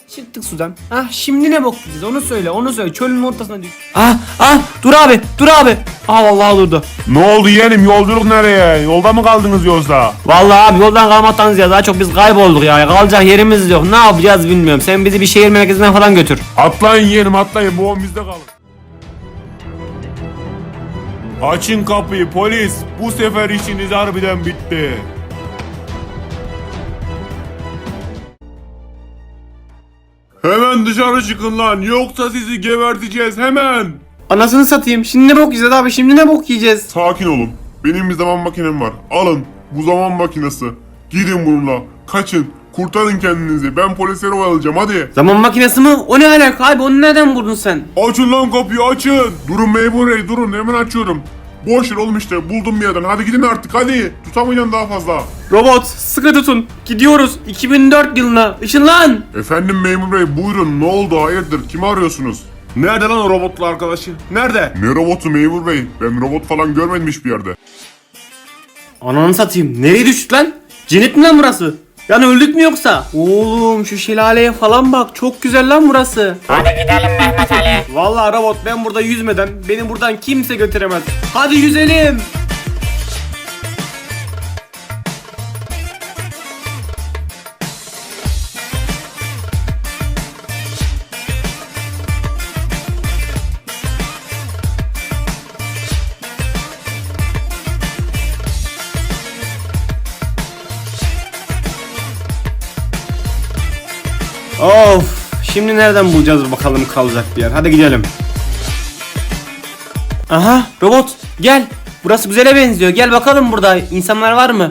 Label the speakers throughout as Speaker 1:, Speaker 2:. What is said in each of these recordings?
Speaker 1: Çıktık sudan. Şimdi ne bok yiyeceğiz onu söyle. Çölün ortasına düş.
Speaker 2: Dur abi. Vallahi durdu.
Speaker 3: Ne oldu yeğenim, yolculuk nereye? Yolda mı kaldınız yoksa?
Speaker 2: Vallahi abi yoldan kalmaktan ziyade daha çok biz kaybolduk ya. Kalacak yerimiz yok. Ne yapacağız bilmiyorum. Sen bizi bir şehir merkezine falan götür.
Speaker 3: Atlayın yeğenim, atlayın, bu on bizde kalın. Açın kapıyı polis, bu sefer işiniz harbiden bitti. Hemen dışarı çıkın lan, yoksa sizi geberteceğiz hemen.
Speaker 1: Anasını satayım. Şimdi ne bok yiyeceğiz abi?
Speaker 3: Sakin olun, benim bir zaman makinem var. Alın bu zaman makinesi. Gidin bununla, kaçın, kurtarın kendinizi. Ben polisleri oyalayacağım, hadi.
Speaker 1: Zaman makinesi mi? O ne alaka abi? Onu nereden buldun sen?
Speaker 3: Açın lan kapıyı, açın. Durun memur bey, durun, hemen açıyorum. Boş ver oğlum, işte buldum bir yerden. Hadi gidin artık, hadi. Tutamayacağım daha fazla.
Speaker 1: Robot sıkı tutun. Gidiyoruz 2004 yılına. Işınlan.
Speaker 3: Efendim memur bey, buyurun, ne oldu, hayırdır, kimi arıyorsunuz? Nerede lan o robotlu arkadaşı? Nerede? Ne robotu memur bey? Ben robot falan görmedim hiçbir yerde.
Speaker 1: Ananı satayım. Nereye düştük lan? Cennet mi lan burası? Yani öldük mü yoksa? Oğlum şu şelaleye falan bak. Çok güzel lan burası.
Speaker 4: Hadi gidelim Mehmet Ali.
Speaker 1: Vallahi robot ben burada yüzmeden beni buradan kimse götüremez. Hadi yüzelim. Of, şimdi nereden bulacağız bakalım kalacak bir yer. Hadi gidelim. Aha, robot gel. Burası güzele benziyor. Gel bakalım burada insanlar var mı?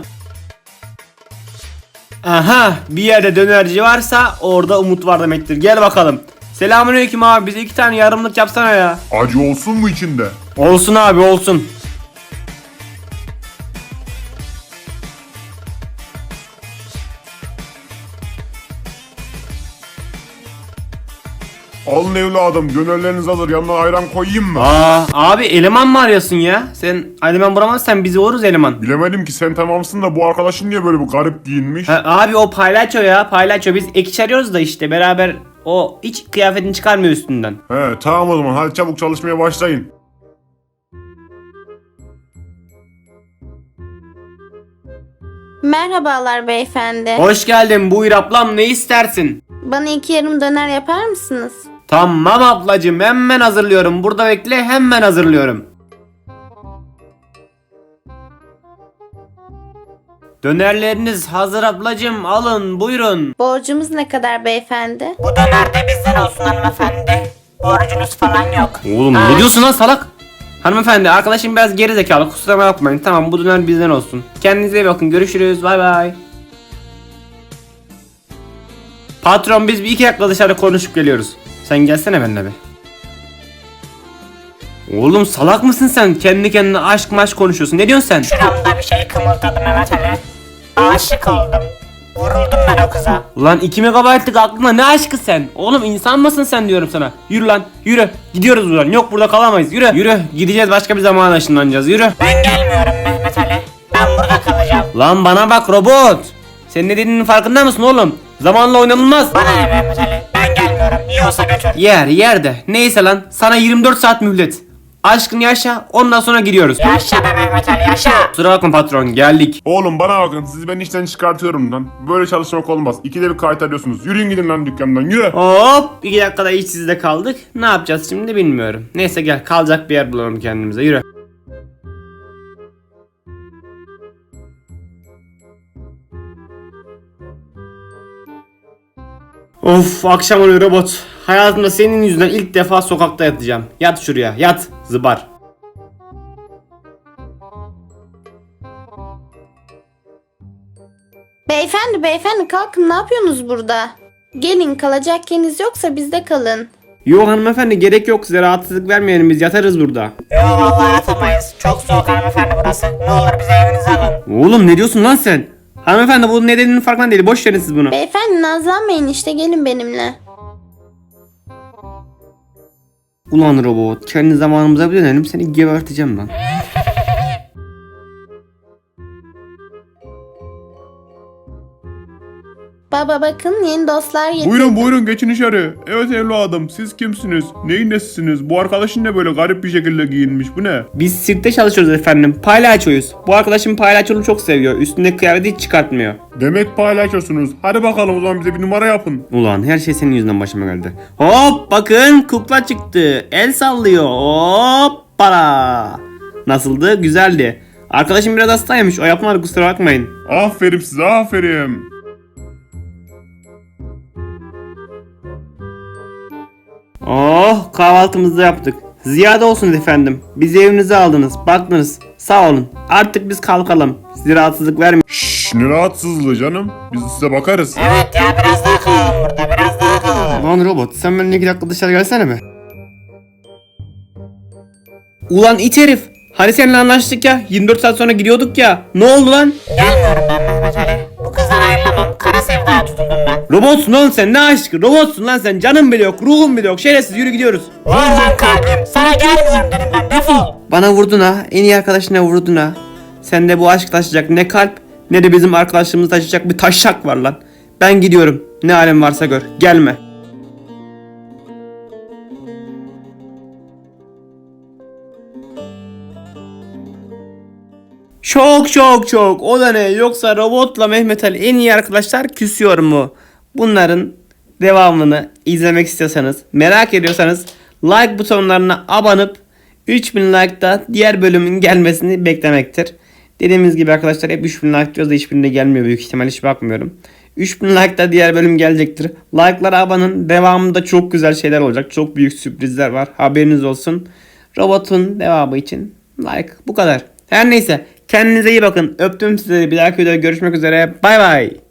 Speaker 1: Aha, bir yerde dönerci varsa orada umut var demektir. Gel bakalım. Selamünaleyküm abi. Bize 2 tane yarımlık yapsana ya.
Speaker 3: Acı olsun mu içinde?
Speaker 1: Olsun abi, olsun.
Speaker 3: Alın evladım, dönerleriniz hazır, yanına ayran koyayım mı?
Speaker 1: Abi eleman mı arıyorsun ya? Sen eleman bulamazsan bizi oluruz eleman.
Speaker 3: Bilemedim ki, sen tamamsın da bu arkadaşın niye böyle bu garip giyinmiş?
Speaker 1: Abi o paylaço ya, paylaço. Biz ek iş arıyoruz da işte beraber o hiç kıyafetini çıkarmıyor üstünden.
Speaker 3: He tamam o zaman, hadi çabuk çalışmaya başlayın.
Speaker 5: Merhabalar beyefendi.
Speaker 1: Hoş geldin, buyur ablam, ne istersin?
Speaker 5: Bana 2 yarım döner yapar mısınız?
Speaker 1: Tamam ablacığım, hemen hazırlıyorum. Burada bekle, hemen hazırlıyorum. Dönerleriniz hazır ablacığım, alın buyurun.
Speaker 5: Borcumuz ne kadar beyefendi?
Speaker 4: Bu döner de bizden olsun hanımefendi. Borcunuz falan yok.
Speaker 1: Oğlum ne diyorsun lan salak? Hanımefendi, arkadaşım biraz geri zekalı, kusura bakmayın. Tamam, bu döner bizden olsun. Kendinize iyi bakın, görüşürüz, bay bay. Patron, biz bir 2 dakika dışarı konuşup geliyoruz. Sen gelsene benimle be. Oğlum salak mısın sen? Kendi kendine aşk maşk konuşuyorsun. Ne diyorsun sen?
Speaker 4: Şuramda bir şey kımıldadı Mehmet Ali. Aşık oldum. Vuruldum ben o kıza.
Speaker 1: Ulan 2 megabaytlık aklına ne aşkı sen? Oğlum insan mısın sen diyorum sana. Yürü lan, yürü. Gidiyoruz buradan. Yok, burada kalamayız. Yürü. Yürü. Gideceğiz, başka bir zamana ışınlanacağız. Yürü.
Speaker 4: Ben gelmiyorum Mehmet Ali. Ben burada kalacağım.
Speaker 1: Lan bana bak robot. Sen ne dediğinin farkında mısın oğlum? Zamanla oynanılmaz.
Speaker 4: Bana ne Mehmet Ali? Ben gelmiyorum. Yiyorsa götür.
Speaker 1: Yer de. Neyse lan. Sana 24 saat mühlet. Aşkını yaşa, ondan sonra gidiyoruz.
Speaker 4: Yaşa be Mehmet Ali yaşa.
Speaker 1: Kusura bakma patron, geldik.
Speaker 3: Oğlum bana bakın, sizi ben işten çıkartıyorum lan. Böyle çalışmak olmaz. İkide bir kaytarıyorsunuz. Yürüyün gidin lan dükkandan, yürü.
Speaker 1: Hop, 2 dakikada işsizde kaldık. Ne yapacağız şimdi bilmiyorum. Neyse gel, kalacak bir yer bulalım kendimize, yürü. Of, akşam oluyor robot. Hayatımda senin yüzünden ilk defa sokakta yatacağım. Yat şuraya, yat zıbar.
Speaker 5: Beyefendi kalkın, ne yapıyorsunuz burada? Gelin, kalacak yeriniz yoksa bizde kalın.
Speaker 1: Yok hanımefendi, gerek yok, size rahatsızlık vermeyelim, biz yatarız burada.
Speaker 4: Yo vallahi yatamayız. Çok soğuk hanımefendi burası. Ne olur bize evinize alın.
Speaker 1: Oğlum ne diyorsun lan sen? Hanımefendi bu ne dediğinin farkında değil, boş verin siz bunu.
Speaker 5: Beyefendi nazlanmayın, işte gelin benimle.
Speaker 1: Ulan robot, kendi zamanımıza bir dönelim, seni geberteceğim lan.
Speaker 5: Baba bakın yeni dostlar getirdim.
Speaker 3: Buyurun buyurun geçin içeri. Evet evladım siz kimsiniz? Neyin nesisiniz? Bu arkadaşın ne böyle garip bir şekilde giyinmiş bu ne?
Speaker 1: Biz sirkte çalışıyoruz efendim. Palyaçoyuz. Bu arkadaşım palyaçoluğu çok seviyor. Üstündeki kıyafeti hiç çıkartmıyor.
Speaker 3: Demek paylaşıyorsunuz. Hadi bakalım o zaman bize bir numara yapın.
Speaker 1: Ulan her şey senin yüzünden başıma geldi. Hop bakın kukla çıktı. El sallıyor. Hoppala. Nasıldı? Güzeldi. Arkadaşım biraz hastaymış. O yapmadı kusura bakmayın.
Speaker 3: Aferin size aferin.
Speaker 1: Oh kahvaltımızı da yaptık. Ziyade olsun efendim. Bizi evinize aldınız. Baktınız. Sağ olun. Artık biz kalkalım. Size rahatsızlık vermeyin.
Speaker 3: Şşş ne rahatsızlığı canım. Biz size bakarız.
Speaker 4: Evet ya biraz daha kalalım burada biraz daha kalalım.
Speaker 1: Lan robot sen benimle 2 dakika dışarı gelsene mi? Ulan it herif. Hani seninle anlaştık ya. 24 saat sonra gidiyorduk ya. Ne oldu lan?
Speaker 4: Gelmiyorum ben Mehmet Ali. Bu kızdan ayrılamam. Kara sevdaya tutundum ben.
Speaker 1: Robotsun oğlum sen ne aşkı? Robotsun lan sen. Canın bile yok. Ruhun bile yok. Şerefsiz yürü gidiyoruz.
Speaker 4: Vur lan kalbim. Sana gelmiyorum dedim ben defol.
Speaker 1: Bana vurdun ha. En iyi arkadaşına vurdun ha. Sende bu aşk taşıyacak ne kalp ne de bizim arkadaşlığımızı taşıyacak bir taşak var lan. Ben gidiyorum. Ne alem varsa gör. Gelme. Çok. O da ne? Yoksa robotla Mehmet Ali en iyi arkadaşlar küsüyor mu? Bunların devamını izlemek istiyorsanız, merak ediyorsanız like butonlarına abanıp 3000 like'da diğer bölümün gelmesini beklemektir. Dediğimiz gibi arkadaşlar hep 3000 like diyoruz da hiçbirinde gelmiyor büyük ihtimal hiç bakmıyorum. 3000 like'da diğer bölüm gelecektir. Like'lara abanın. Devamında çok güzel şeyler olacak. Çok büyük sürprizler var. Haberiniz olsun. Robotun devamı için like bu kadar. Her neyse kendinize iyi bakın. Öptüm sizleri. Bir dahaki videoda görüşmek üzere. Bay bay.